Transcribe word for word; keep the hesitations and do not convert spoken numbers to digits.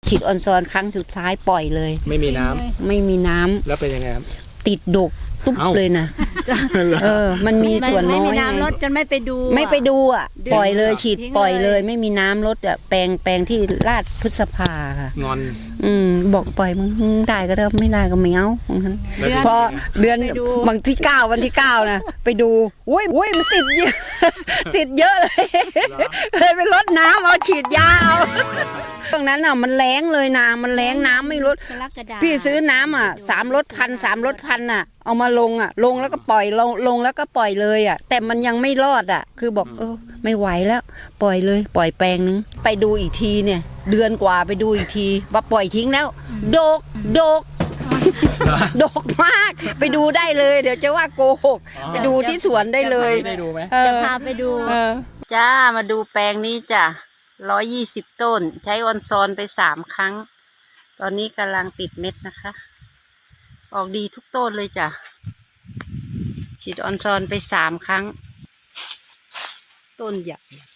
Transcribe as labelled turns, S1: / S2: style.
S1: ฉีดออนซอนครั้งสุดท้ายปล่อยเลย
S2: ไม่มีน้ำ
S1: ไม่มีน้ำ
S2: แล้วเป็นยังไงครับ
S1: ติดดกตุ๊บเลยนะเออมันมีส่วนน้อยไม่มี
S3: น้ำลดจนไม่ไปดู
S1: ไม่ไปดูอ่ะปล่อยเลยฉีดปล่อยเลยไม่มีน้ำลดอ่ะแปลงแปลงที่ลาดพฤษภาค่ะ
S2: งอน
S1: อืมบอกปล่อยมึงได้ก็ได้ไม่ได้ก็ไม่เอาของฉันพอเดือนบางที่เก้าวันที่เก้านะไปดูอุ้ยอุ้ยมันติดเยอะติดเยอะเลยเลยไปลดน้ำเอาฉีดยาเอาตรงนั้นอ่ะมันแรงเลยนามันแรงน้ำไม่ลดพี่ซื้อน้ำอ่ะสามรถพันสามรถพันอ่ะเอามาลงอ่ะลงแล้วก็ปล่อยลงลงแล้วก็ปล่อยเลยอ่ะแต่มันยังไม่รอดอ่ะคือบอกเออไม่ไหวแล้วปล่อยเลยปล่อยแปลงนึงไปดูอีกทีเนี่ยเดือนกว่าไปดูอีกทีว่าปล่อยทิ้งแล้วโดกโดกโดกมากไปดูได้เลยเดี๋ยวจะว่าโกหกไปดูที่สวนได้เลย
S3: จะพาไปดู
S1: จ้ามาดูแปลงนี้จ้ะร้อยยี่สิบต้นใช้ออนซอนไปสามครั้งตอนนี้กำลังติดเม็ดนะคะออกดีทุกต้นเลยจ้ะฉีดออนซอนไปสามครั้งต้นใหญ่